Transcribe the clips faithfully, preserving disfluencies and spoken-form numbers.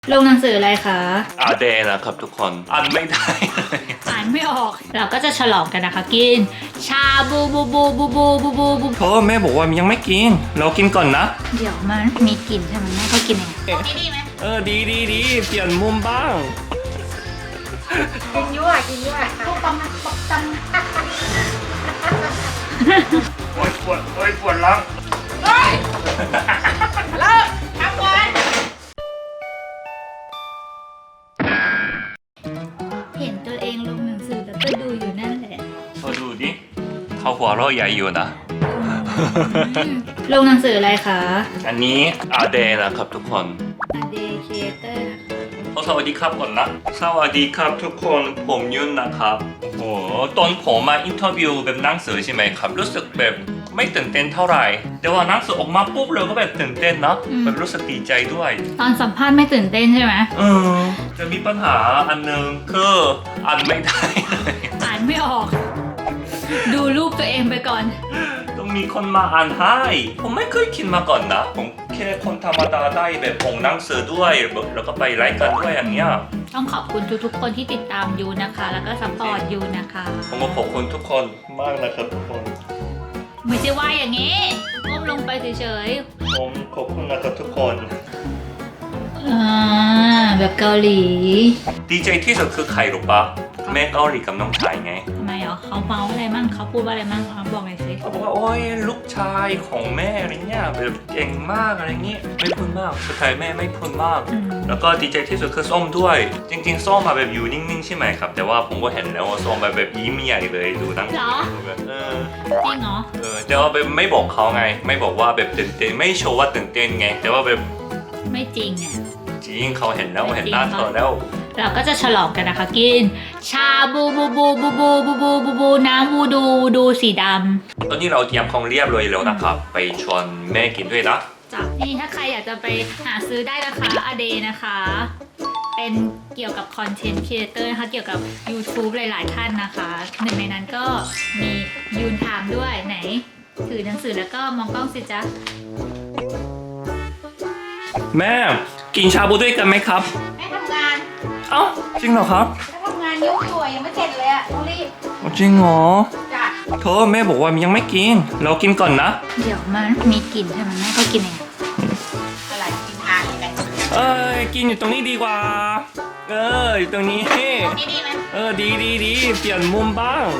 ลงหนังสืออะไรคะอาเดนะครับทุกคนอ่านไม่ได้อ่านไม่ออกเราก็จะฉลองกันนะคะกินชาบูบูบูบูบูบูบูบูเธอแม่บอกว่ายังไม่กินเรากินก่อนนะเดี๋ยวมันมีกลิ่นใช่ไหมแม่ก็กินเองดีดีไหมเออดีดีดีเปลี่ยนมุมบ้างกินยั่วกินยั่วปุ๊บปั๊มปุ๊บปั๊มโอ๊ยปวดโอ๊ยปวดหลังเฮ้ยเลิกทำก่อนเห็นตัวเองลงหนังสือแล้วก็ดูอยู่นั่นแหละเธอดูดิเขาหัวเราะใหญ่อยู่นะลงหนังสืออะไรคะอันนี้อาเดนะครับทุกคนอาเดครีเอเตอร์สวัสดีครับก่อนนะสวัสดีครับทุกคนผมยุ่นนะครับโอ้โหตอนผมมาอินเทอร์วิวแบบหนังสือใช่ไหมครับรู้สึกแบบไม่ตื่นเต้นเท่าไหร่แต่ว่าหนังสือออกมาปุ๊บเราก็แบบตื่นเต้นนะแบบรู้สึกดีใจด้วยตอนสัมภาษณ์ไม่ตื่นเต้นใช่ไหมเออจะมีปัญหาอันนึงคืออ่านไม่ได้อ่านไม่ออกดูรูปตัวเองไปก่อนต้องมีคนมาอ่านให้ผมไม่เคยคิดมาก่อนนะผมแค่คนธรรมดาได้แบบอ่านหนังสือด้วยแล้วก็ไปไลฟ์กันด้วยอย่างเงี้ยต้องขอบคุณทุกๆคนที่ติดตามยูนะคะแล้วก็ซัพพอร์ตยูนะคะผมก็ขอบคุณทุกคนมากนะครับทุกคนไม่ใช่ว่าอย่างนี้ก้มลงไปเฉยๆผมขอบคุณนะครับทุกคนอ่าแบบเกาหลีดีใจที่สุดคือใครรู้ปะแม่เกาหลีกับน้องชายไงทำไมเหรอเขาเมาอะไรมั่งเขาพูดว่าอะไรมั่งเขาบอกหน่อยสิเขาบอกว่าโอ้ยลูกชายของแม่อะไรเงี้ยแบบเก่งมากอะไรเงี้ยไม่พูดมากสุดท้ายแม่ไม่พูดมากแล้วก็ดีใจที่สุดคือส้มด้วยจริงๆส้มมาแบบอยู่นิ่งๆใช่ไหมครับแต่ว่าผมก็เห็นแล้วว่าส้มแบบแบบยิ้มใหญ่เลยดูนั่งแบบเออจริงเหรอเออแต่ว่าแบบไม่บอกเขาไงไม่บอกว่าแบบตื่นเต้นไม่โชว์ว่าตื่นเต้นไงแต่ว่าแบบไม่จริงเนี่ยจริงเขาเห็นแล้วเห็นหน้าเธอแล้วเราก็จะฉลองกันนะคะกินชาบูบูบูบูบูบูบูบูบูน้ำวูดูวูดูสีดำตอนนี้เราเตรียมของเรียบร้อยแล้วนะครับไปชวนแม่กินด้วยนะจ้ะนี่ถ้าใครอยากจะไปหาซื้อได้นะคะอเดนะคะเป็นเกี่ยวกับคอนเทนต์ครีเอเตอร์นะคะเกี่ยวกับ YouTube หลายๆท่านนะคะหนึ่งในนั้นก็มียูนไทม์ด้วยไหนถือหนังสือแล้วก็มองกล้องสิจ๊ะแม่กินชาบูด้วยกันไหมครับแม่ทำงานเอ้าจริงเหรอครับแม่ทำงานยุ่งอยู่ยังไม่เสร็จเลยอ่ะต้องรีบจริงเหรอจ้ะเธอแม่บอกว่ายังไม่กินเรากินก่อนนะเดี๋ยวมันมีกลิ่นใช่ไหมแม่ก็กินเองอะไรกินทานกันเอ้ยกินอยู่ตรงนี้ดีกว่าเอออยู่ตรงนี้ตรงนี้ดีไหมเออดีดีดีเปลี่ยนมุมบ้าง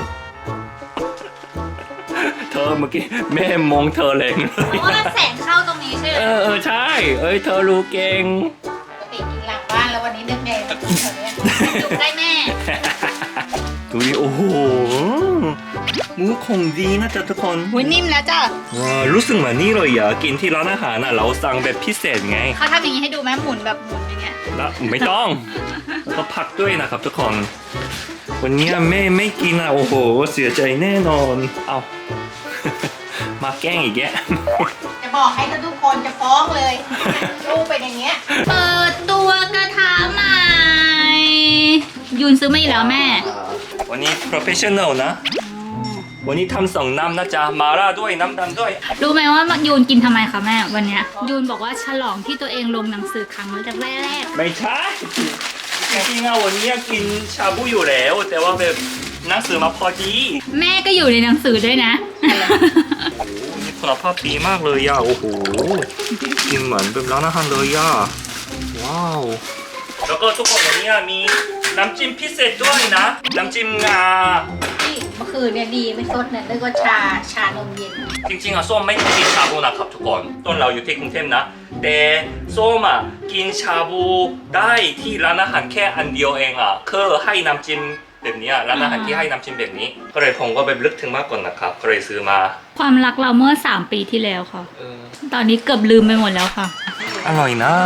เธอเมื่อกี้แม่มองเธอแรงเลยเพราะว่าแสงเข้าตรงนี้ใช่ไหมเออเออใช่เอ้ยเธอรู้เก่งปกติกินหลังบ้านแล้ววันนี้นึกไงแบบนี้อยู่ใกล้แม่ดูดิโอ้โหหมูคงดีนะจ๊ะทุกคนหุยนิ่มแล้วจ้ะว้ารู้สึกเหมือนนี่เลยอ่ะกินที่ร้านอาหารน่ะเราสั่งแบบพิเศษไงเขาทำอย่างนี้ให้ดูไหมหมุนแบบหมุนอย่างเงี้ยแล้วไม่ต้องแล้วก็พักด้วยนะครับทุกคนวันนี้แม่ไม่กินอ่ะโอ้โหเสียใจแน่นอนเอามาแกล้งอีกแกจะบอกให้ทุกคนจะฟ้องเลยลูกเป็นอย่างเงี้ยเปิดตัวกระทะใหม่ยูนซื้อมาอีกแล้วแม่วันนี้ professional นะวันนี้ทำสองน้ำนะจ๊ะมาล่าด้วยน้ำดำด้วยรู้ไหมว่ายูนกินทำไมคะแม่วันนี้ยูนบอกว่าฉลองที่ตัวเองลงหนังสือครั้งแรกไม่ใช่จริงๆอะวันนี้กินชาบูอยู่แล้วแต่ว่าแบบหนังสือมาพอดีแม่ก็อยู่ในหนังสือด้วยนะโอ้โหนี่คุณภาพดีมากเลยย่าโอ้โหกินเหมือนแบบร้านอาหารเลยย่าว้าวแล้วก็ทุกคนวันนี้มีน้ำจิ้มพิเศษด้วยนะน้ำจิ้มงาที่เมื่อคืนเนี่ยดีไม่สดเนี่ยนึกว่าชาชานมเย็นจริงๆอะส้มไม่กินชาบูนะครับทุกคนต้นเราอยู่ที่กรุงเทพนะแต่ส้มอะกินชาบูได้ที่ร้านอาหารแค่อันเดียวเองอะคือให้น้ำจิ้มแบบนี้ร้านอาหารที่ให้น้ำจิ้มแบบนี้ก็เลยผมก็ไปลึกถึงมากกว่านะครับก็เลยซื้อมาความรักเราเมื่อสามปีที่แล้วค่ะตอนนี้เกือบลืมไปหมดแล้วค่ะอร่อยนะ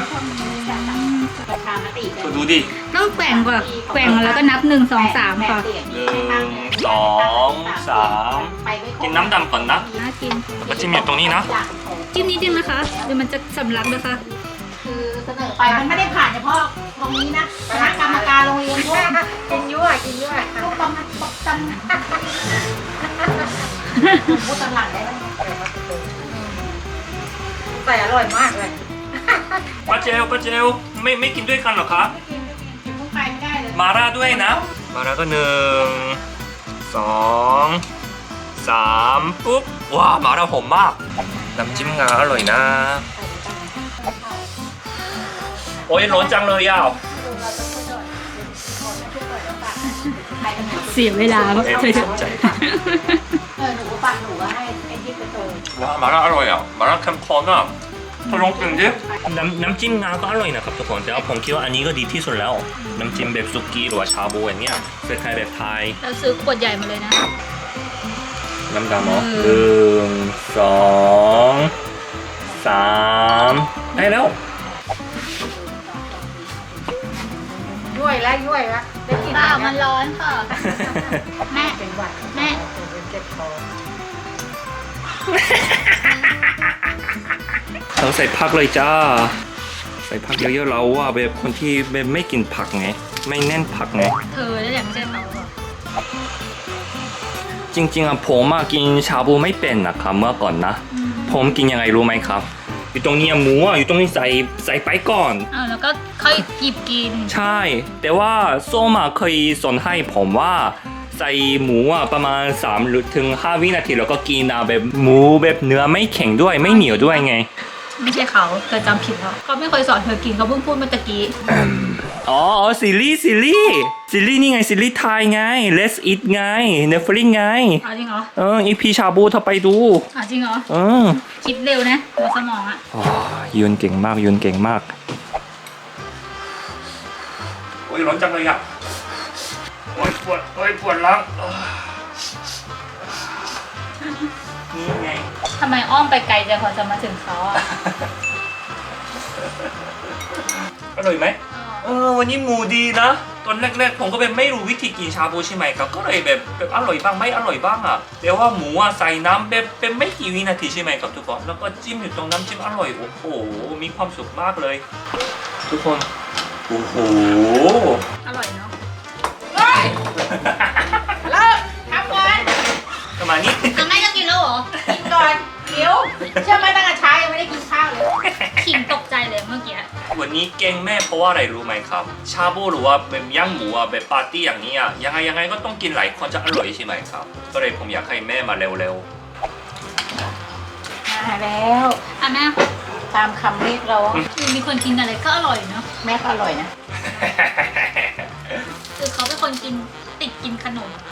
ดูดิต้องแกว่งก่อนแกว่งแล้วก็นับหนึ่งสองสามค่ะหนึ่งสองสามกินน้ำดำก่อนนะน่ากินแล้วจิ้มอยู่ตรงนี้นะจิ้มนิดนึงนะคะเดี๋ยวมันจะสำลักนะคะคือเสนอไปมันไม่ได้ผ่านเฉพาะตรงนี้นะคณะกรรมการโรงเรียนพวกกินยั่วกินยั่วปุ๊บปั๊มปุ๊บปั๊มพูดตลาดได้ไหมแต่อร่อยมากเลยป้าเจลป้าเจลไม่ไม่กินด้วยกันเหรอคะไม่กินกินพุ่งไปไม่ได้เลยมาราด้วยนะ มาราก็หนึ่งสองสามปุ๊บว้ามาราหอมมากน้ำจิ้มงาอร่อยนะโอ้ยร้อนจังเลยอ่ะเสียเวลาเอ็มเธอจะสนใจเออหนูก็ปักหนูให้ไอ้ที่ไปโตว้ามาราอร่อยอ่ะมาราเข้มข้นอ่ะทดลองกินดิน้ำน้ำจิ้มงาก็อร่อยนะครับทุกคนแต่ว่าผมคิดว่าอันนี้ก็ดีที่สุดแล้วน้ำจิ้มแบบซุกี้หรือว่าชาบูอย่างเงี้ยเป็นไทยแบบไทยเราซื้อขวดใหญ่มาเลยนะน้ำดำเหรอหนึ่งสองสามได้แล้วย่วยแล้วย่วยแล้วได้กินเปล่ามันร้อนค่ะ แม่เป็นหวัดแม่เจ็บคอเราใส่ผักเลยจ้า ใส่ผักเยอะๆเราว่าแบบคนที่แบบไม่กินผักไง ไม่แน่นผักไงเธอแล้วอย่างไม่ใช่เขาอะจริงๆอะผมอะกินชาบูไม่เป็นนะครับเมื่อก่อนนะ ผมกินยังไงรู้ไหมครับ อยู่ตรงนี้หมูอะอยู่ตรงนี้ใส่ใส่ไปก่อนอ้าวแล้วก็ค่อยหยิบกินใช่ แต่ว่าส้มอะเคยสอนให้ผมว่าใส่หมูอะประมาณสามหรือถึงห้าวินาทีแล้วก็กินอะแบบหมูแบบเนื้อไม่แข็งด้วยไม่เหนียวด้วยไงไม่ใช่เขาเธอจำผิดแล้วเขาไม่เคยสอนเธอกินเขาเพิ่งพูดเมื่อตะกี้อ๋ออ๋อซีรีส์ซีรีส์ซีรีส์นี่ไงซีรีส์ไทยไง Let's Eat ไง Netflix ไงเอาจริงเหรอเอออีพีชาบูเธอไปดูเอาจริงเหรอเออคิดเร็วนะหัวสมองอะโอ้ยืนเก่งมากยืนเก่งมากโอ้ยร้อนจังเลยอ่ะโอ้ยปวดโอ้ยปวดหลังนี่ไงทำไมอ้อมไปไกลจังพอจะมาถึงเขาอะอร่อยไหมเออวันนี้หมูดีนะ ตอนแรกๆผมก็แบบไม่รู้วิธีกินชาบูใช่ไหมครับก็เลยแบบแบบอร่อยบ้างไม่อร่อยบ้างอ่ะแต่ว่าหมูอ่ะใส่น้ำแบบเป็นไม่กี่วินาทีใช่ไหมครับทุกคนแล้วก็จิ้มอยู่ตรงน้ำจิ้มอร่อยโอ้โหมีความสุขมากเลย ทุกคนโอ้โหอร่อยเนาะเฮ้ยเลิกทำก่อนประมาณนี้เอาแม่จะกินแล้วเหรอกินก่อนเดี๋ยวเชื่อไหมตั้งแต่เช้ายังไม่ได้กินข้าวเลยขิงตกใจเลยเมื่อกี้วันนี้เก่งแม่เพราะว่าอะไรรู้ไหมครับ ชาบูหรือว่าแบบย่างหมูอ่ะแบบปาร์ตี้อย่างนี้อ่ะยังไงยังไงก็ต้องกินหลายคนจะอร่อยใช่ไหมครับ ก็เลยผมอยากให้แม่มาเร็วมาแล้วอ่ะแม่ตามคำเรียกร้องมีคนกินอะไรก็อร่อยเนาะแม่ก็อร่อยนะๆคือเขาเป็นคนกินติดกินขนม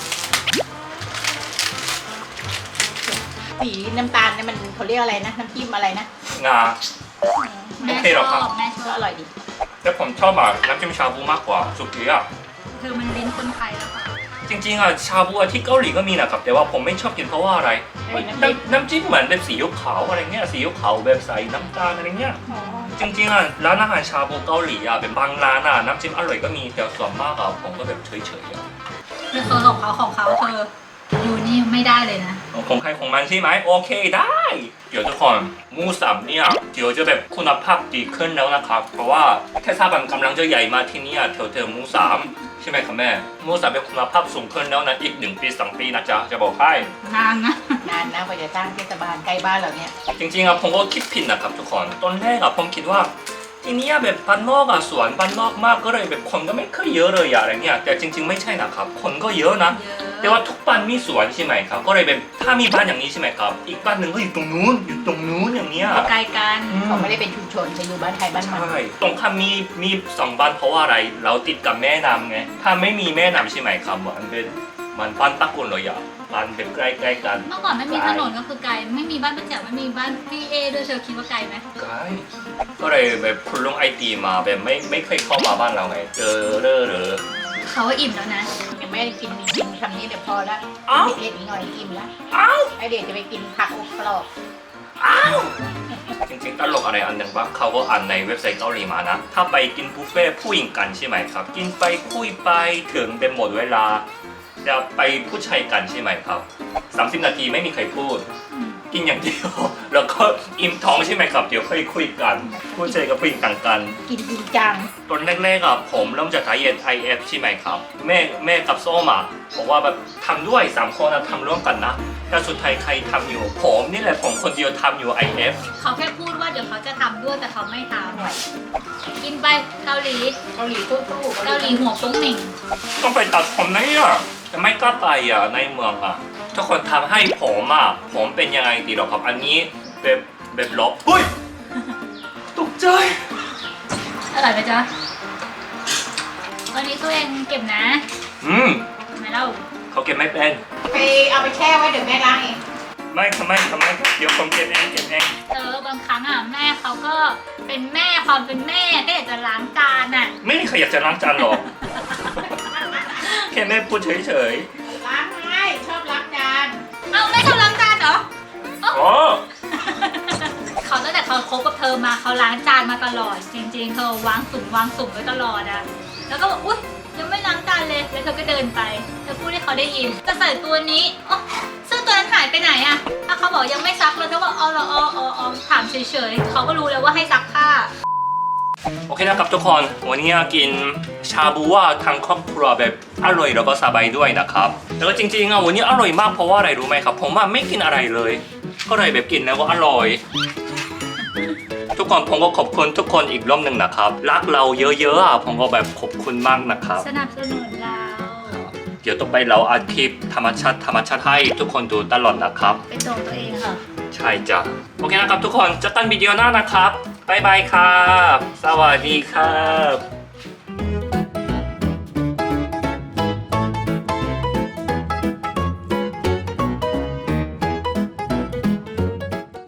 สีน้ำตาลเนี่ยมันเขาเรียกอะไรนะน้ำจิ้มอะไรนะงาแม่โอเคชหรอครัอบ บแม่ชก็อบอร่อยดีแต่ผมชอบแบบน้ำจิ้มชาบูมากกว่าสุกี้อ่ะเธอมันลิ้นคนไทยแล้วค่ะจริงๆอ่ะชาบูอ่ะที่เกาหลีก็มีนะครับแต่ว่าผมไม่ชอบกินเพราะว่าอะไรน้ำน้ำจิ้มเหมือนแบบสีขาวอะไรเงี้ยสีขาวแบบใส่น้ำตาลอะไรเงี้ยอ๋อจริงๆอ่ะร้านอาหารชาบูเกาหลีอ่ะเป็นบางร้านอ่ะน้ำจิ้มอร่อยก็มีแต่ส่วนมากอ่ะผมก็แบบเฉยๆอ่ะคือเขาของเขาของเขาเธออยู่นี่ไม่ได้เลยนะของใครของมันใช่ไหมโอเคได้ เดี๋ยวทุกคนหมูสับเนี่ยเดี๋ยวจะแบบคุณภาพดีขึ้นแล้วนะครับเพราะว่าเทศบาลกำลังจะใหญ่มาที่นี่แถวเทหมูสามใช่ไหมครับแม่หมูสับเป็นคุณภาพสูงขึ้นแล้วนะอีกหนึ่งปีสองปีนะจ๊ะจะบอกให้นานนะนานนะกว่าจะตั้งเทศบาลใกล้บ้านเราเนี่ยจริงๆอ่ะผมก็คิดผิดนะครับทุกคนตอนแรกอ่ะผมคิดว่าที่นี่แบบบ้านนอกอ่ะสวนบ้านนอกมากก็เลยแบบคนก็ไม่ค่อยเยอะเลยอะอะไรเงี้ยแต่จริง ๆไม่ใช่นะครับคนก็เยอะนะเยอะแต่ว่าทุกบ้านมีสวนใช่ไหมครับก็เลยแบบถ้ามีบ้านอย่างนี้ใช่ไหมครับอีกบ้านหนึ่งก็อยู่ตรงนู้นอยู่ตรงนู้นอย่างเนี้ยไกลกันเขาไม่ได้เป็นชุมชนจะอยู่บ้านใครบ้านมันใช่ตรงข้ามมีมีสองบ้านเพราะว่าอะไร เราติดกับแม่น้ำไงถ้าไม่มีแม่น้ำใช่ไหมครับมันเป็นมันบ้านตะกุนเลยอะบ้านเป็นใกล้ๆกันเมื่อก่อนไม่มีถนนก็คือไกลไม่มีบ้านประจักษ์ไม่มีบ้านพี่เอด้วยเธอคิดว่าไกลไหมใกล้ก็เลยแบบคุณลุงไอตีมาแบบไม่ไม่เคยเข้ามาบ้านเราไงเจอเร่อเหรอเขาว่าอิ่มแล้วนะยังไม่ได้กินกินคำนี้เดี๋ยวพอละอ้าวเล็กๆอีกหน่อยอิ่มละอ้าวไอเดี๋ยวจะไปกินผักอบกรอบอ้าวจริงๆตลกอะไรอันหนึ่งว่าเขาก็อ่านในเว็บไซต์เกาหลีมานะ ถ้าไปกินบุฟเฟ่ต์ผู้หญิงกันใช่ไหมครับ กินไปคุยไปถึงเป็นหมดเวลา จะไปผู้ชายกันใช่ไหมครับสามสิบนาทีไม่มีใครพูดอืมกินอย่างเดียวแล้วก็อิ่มท้องใช่ไหมครับเดี๋ยวค่อยคุยกันผู้ชายกับผู้หญิงต่างกันกินจริงจังตอนแรกๆอ่ะผมเริ่มจากไดเอท ไอ เอฟ ใช่ไหมครับแม่แม่กับส้มอ่ะบอกว่าแบบทำด้วยสามคนนะทำร่วมกันนะแต่สุดท้ายใครทำอยู่ผมนี่แหละผมคนเดียวทำอยู่ ไอ เอฟเขาแค่พูดว่าเดี๋ยวเขาจะทำด้วยแต่เขาไม่ทำกินไปเกาหลีเกาหลีสู้ๆเกาหลีหัวโป้งเหน่งต้องไปตัดผมนะเนี่ยแต่ไม่กล้าไปอ่ะในเมืองอ่ะทุกคนทำให้ผมอ่ะผมเป็นยังไงดีหรอครับอันนี้แบบแบบลบเฮ้ยตกใจอร่อยไหมจ๊ะวันนี้ตัวเองเก็บนะอืมทำไมเล่าเขาเก็บไม่เป็นไปเอาไปแช่ไว้เดี๋ยวแม่ล้างเองไม่ทำไมทำไมเดี๋ยวผมเก็บเองเก็บเองเออบางครั้งอ่ะแม่เขาก็เป็นแม่ความเป็นแม่ก็อยากจะล้างจานอ่ะไม่มีใครอยากจะล้างจานหรอก แค่แม่พูดเฉยล้างให้ชอบล้างจานเอาแม่ชอบล้างจานเหรอๆอ๋อเขาตั้งแต่เขาคบกับเธอมาเขาล้างจานมาตลอด จริงๆเธอวางสุ่มวางสุ่มไว้ตลอดอะแล้วก็บอกอุ๊ยยังไม่ล้างจานเลยแล้วเธอก็เดินไปเธอพูดให้เขาได้ยินจะใส่ตัวนี้อ๋อซึ่งตัวนั้นหายไปไหนอะถ้าเขาบอกยังไม่ซักเลยเธอบอกอ๋อเหรออ๋ออ๋ออ๋อถามเฉยๆเขาก็รู้แล้วว่าให้ซักผ้าโอเคนะครับทุกคนวันนี้กินชาบูว่าทางครอบครัวแบบอร่อยแล้วก็สบายด้วยนะครับแล้วก็จริงๆอ่ะวันนี้อร่อยมากเพราะว่าอะไรรู้ไหมครับผมว่าไม่กินอะไรเลยก็เลยแบบกินแล้วก็อร่อย ทุกคนผมก็ขอบคุณทุกคนอีกรอบหนึ่งนะครับรักเราเยอะๆอ่ะผมก็แบบขอบคุณมากนะครับสนับสนุนเราเดี๋ยวต่อไปเราอาทิตย์ธรรมชาติธรรมชาติให้ทุกคนดูตลอดนะครับเป็นตัวตัวเองค่ะใช่จ้ะโอเคนะครับทุกคนเจอกันวิดีโอหน้านะครับบ๊ายบายครับสวัสดีครับ